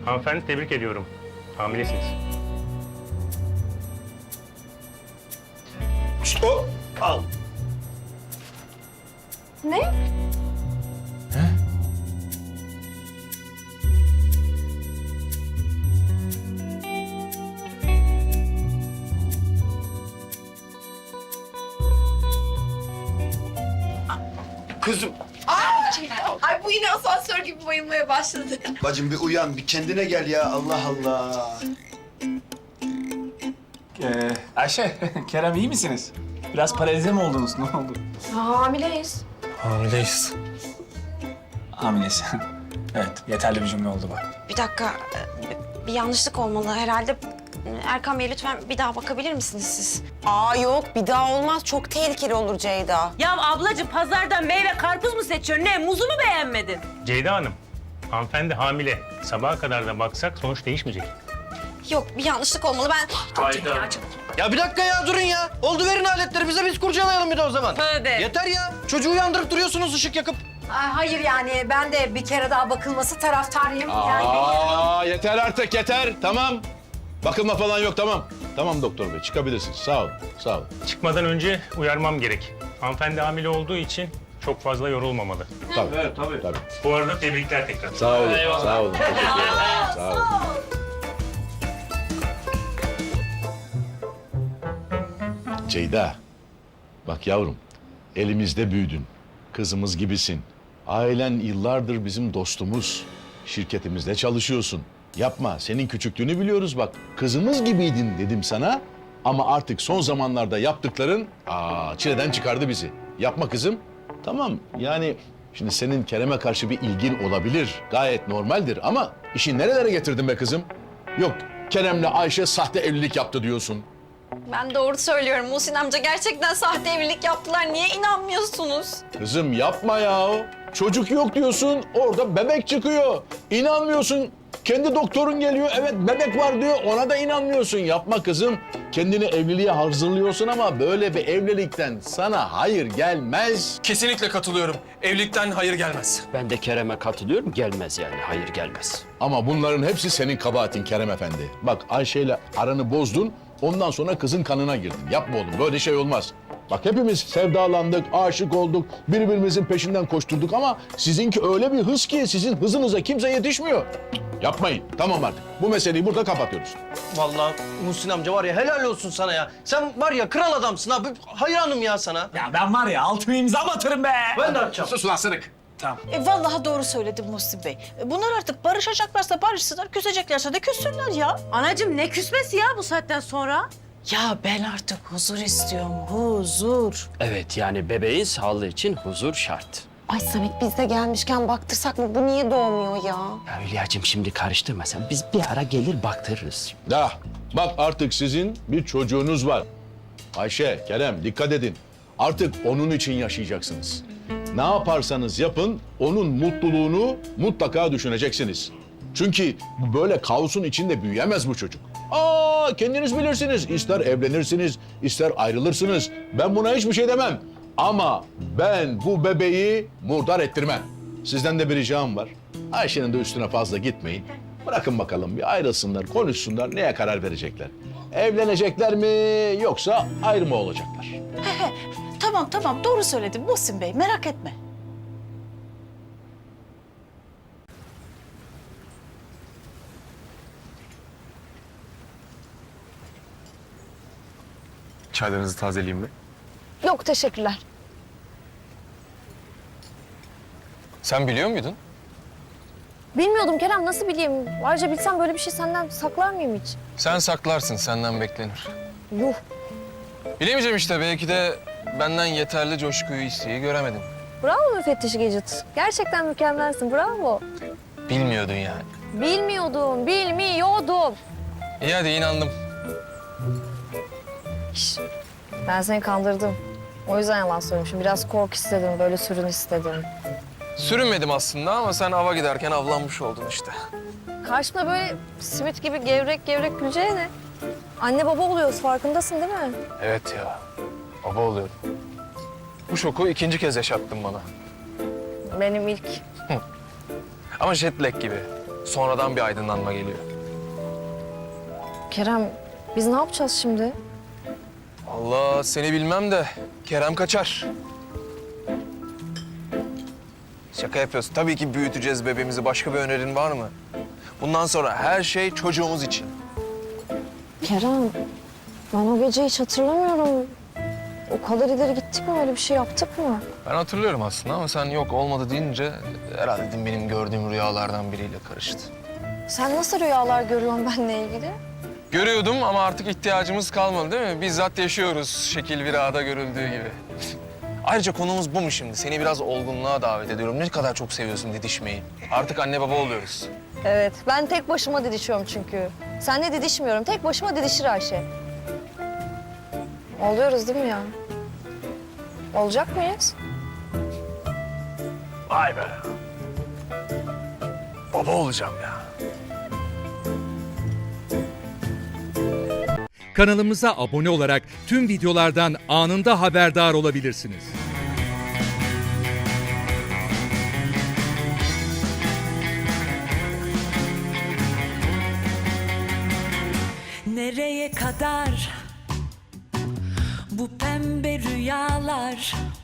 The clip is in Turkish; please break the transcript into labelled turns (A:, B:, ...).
A: Hanımefendi tebrik ediyorum. Hamilesiniz.
B: Hop, al.
C: Ne?
B: Kızım.
C: Ay bu yine asansör gibi bayılmaya başladı.
B: Bacım bir uyan, bir kendine gel ya. Allah Allah.
D: Ayşe, Kerem iyi misiniz? Biraz paralize mi oldunuz? Ne oldu?
C: Hamileyiz.
A: Hamileyiz.
D: Hamilesin. Evet, yeterli bir cümle oldu bu.
E: Bir dakika, bir yanlışlık olmalı herhalde. Erkan Bey lütfen bir daha bakabilir misiniz siz?
F: Aa yok bir daha olmaz. Çok tehlikeli olur Ceyda.
G: Ya ablacığım pazardan meyve karpuz mu seçiyorsun? Ne muzu mu beğenmedin?
A: Ceyda Hanım, hanımefendi hamile. Sabaha kadar da baksak sonuç değişmeyecek.
E: Yok, bir yanlışlık olmalı. Ben
H: Ya bir dakika ya durun ya. Oldu verin aletleri bize biz kurcalayalım bir de o zaman.
G: Tövbe.
H: Yeter ya. Çocuğu uyandırıp duruyorsunuz ışık yakıp.
C: Hayır yani ben de bir kere daha bakılması taraftarıyım. Yani
I: Yeter artık yeter. Tamam. Bakılma falan yok tamam. Tamam doktor bey çıkabilirsiniz. Sağ olun. Sağ olun.
A: Çıkmadan önce uyarmam gerek. Hanımefendi hamile olduğu için çok fazla yorulmamalı.
I: Tabii. Evet, tabii.
A: Bu arada tebrikler tekrar.
I: Sağ olun. Sağ olun. Teşekkür ederim. Sağ olun. Ceyda. Bak yavrum. Elimizde büyüdün. Kızımız gibisin. Ailen yıllardır bizim dostumuz. Şirketimizde çalışıyorsun. Yapma. Senin küçüklüğünü biliyoruz bak. Kızımız gibiydin dedim sana. Ama artık son zamanlarda yaptıkların çileden çıkardı bizi. Yapma kızım. Tamam yani şimdi senin Kerem'e karşı bir ilgin olabilir. Gayet normaldir ama işi nerelere getirdin be kızım? Yok Kerem'le Ayşe sahte evlilik yaptı diyorsun.
E: Ben doğru söylüyorum. Muhsin amca gerçekten sahte evlilik yaptılar. Niye inanmıyorsunuz?
I: Kızım yapma ya. Çocuk yok diyorsun, orada bebek çıkıyor. İnanmıyorsun. Kendi doktorun geliyor, evet bebek var diyor, ona da inanmıyorsun. Yapma kızım. Kendini evliliğe hazırlıyorsun ama böyle bir evlilikten sana hayır gelmez.
J: Kesinlikle katılıyorum. Evlilikten hayır gelmez.
H: Ben de Kerem'e katılıyorum. Gelmez yani. Hayır gelmez.
I: Ama bunların hepsi senin kabahatin Kerem Efendi. Bak Ayşe'yle aranı bozdun, ondan sonra kızın kanına girdin. Yapma oğlum, böyle şey olmaz. Bak hepimiz sevdalandık, aşık olduk, birbirimizin peşinden koşturduk ama sizinki öyle bir hız ki sizin hızınıza kimse yetişmiyor. Yapmayın, tamam artık. Bu meseleyi burada kapatıyoruz.
H: Vallahi Muhsin amca var ya helal olsun sana ya. Sen var ya kral adamsın abi. Hayranım ya sana.
D: Ya ben var ya altıma imza atarım be.
H: Ben de atacağım.
D: Sus ulan sırık. Tamam.
G: Vallahi doğru söyledi Muhsin Bey. Bunlar artık barışacaklarsa barışsınlar, küseceklerse de küssünler ya. Anacığım ne küsmesi ya bu saatten sonra?
F: Ya ben artık huzur istiyorum. Huzur.
H: Evet yani bebeğin sağlığı için huzur şart.
F: Ay Samet biz de gelmişken baktırsak mı? Bu niye doğmuyor ya?
H: Ya Hülya'cığım şimdi karıştırma sen. Biz bir ara gelir baktırırız.
I: Ya bak artık sizin bir çocuğunuz var. Ayşe, Kerem dikkat edin. Artık onun için yaşayacaksınız. Ne yaparsanız yapın onun mutluluğunu mutlaka düşüneceksiniz. Çünkü böyle kaosun içinde büyüyemez bu çocuk. Kendiniz bilirsiniz. İster evlenirsiniz, ister ayrılırsınız. Ben buna hiçbir şey demem. Ama ben bu bebeği murdar ettirmem. Sizden de bir ricam var. Ayşe'nin de üstüne fazla gitmeyin. Bırakın bakalım bir ayrılsınlar, konuşsunlar, neye karar verecekler. Evlenecekler mi yoksa ayrı mı olacaklar?
G: Tamam doğru söyledin Muhsin Bey merak etme.
J: Çaylarınızı tazeleyeyim mi?
C: Yok teşekkürler.
J: Sen biliyor muydun?
C: Bilmiyordum Kerem nasıl bileyim? Ayrıca bilsem böyle bir şey senden saklar mıyım hiç?
J: Sen saklarsın, senden beklenir.
C: Yuh.
J: Bilemeyeceğim işte, belki de benden yeterli coşkuyu, isteği göremedim.
C: Bravo müfettiş Gecit. Gerçekten mükemmelsin bravo.
J: Bilmiyordun yani.
C: Bilmiyordum.
J: İyi hadi inandım.
C: Ben seni kandırdım. O yüzden yalan söylemişim. Biraz kork istedim, böyle sürün istedim.
J: Sürünmedim aslında ama sen ava giderken avlanmış oldun işte.
C: Karşımda böyle simit gibi gevrek gevrek güleceğine. Anne baba oluyoruz farkındasın değil mi?
J: Evet ya, baba oluyorum. Bu şoku ikinci kez yaşattın bana.
C: Benim ilk.
J: Ama jet lag gibi. Sonradan bir aydınlanma geliyor.
C: Kerem, biz ne yapacağız şimdi?
J: Allah seni bilmem de Kerem kaçar. Şaka yapıyorsun. Tabii ki büyüteceğiz bebeğimizi. Başka bir önerin var mı? Bundan sonra her şey çocuğumuz için.
C: Kerem, ben o gece hiç hatırlamıyorum. O kadar ileri gittik mi? Öyle bir şey yaptık mı?
J: Ben hatırlıyorum aslında ama sen yok olmadı deyince herhalde dedim benim gördüğüm rüyalardan biriyle karıştı.
C: Sen nasıl rüyalar görüyorsun benimle ilgili?
J: Görüyordum ama artık ihtiyacımız kalmadı değil mi? Bizzat yaşıyoruz şekil bir ağda görüldüğü gibi. Ayrıca konumuz bu mu şimdi? Seni biraz olgunluğa davet ediyorum. Ne kadar çok seviyorsun didişmeyi. Artık anne baba oluyoruz.
C: Evet, ben tek başıma didişiyorum çünkü. Seninle didişmiyorum, tek başıma didişir Ayşe. Oluyoruz değil mi ya? Olacak mıyız?
J: Vay be. Baba olacağım ya.
K: Kanalımıza abone olarak tüm videolardan anında haberdar olabilirsiniz.
L: Nereye kadar bu pembe rüyalar?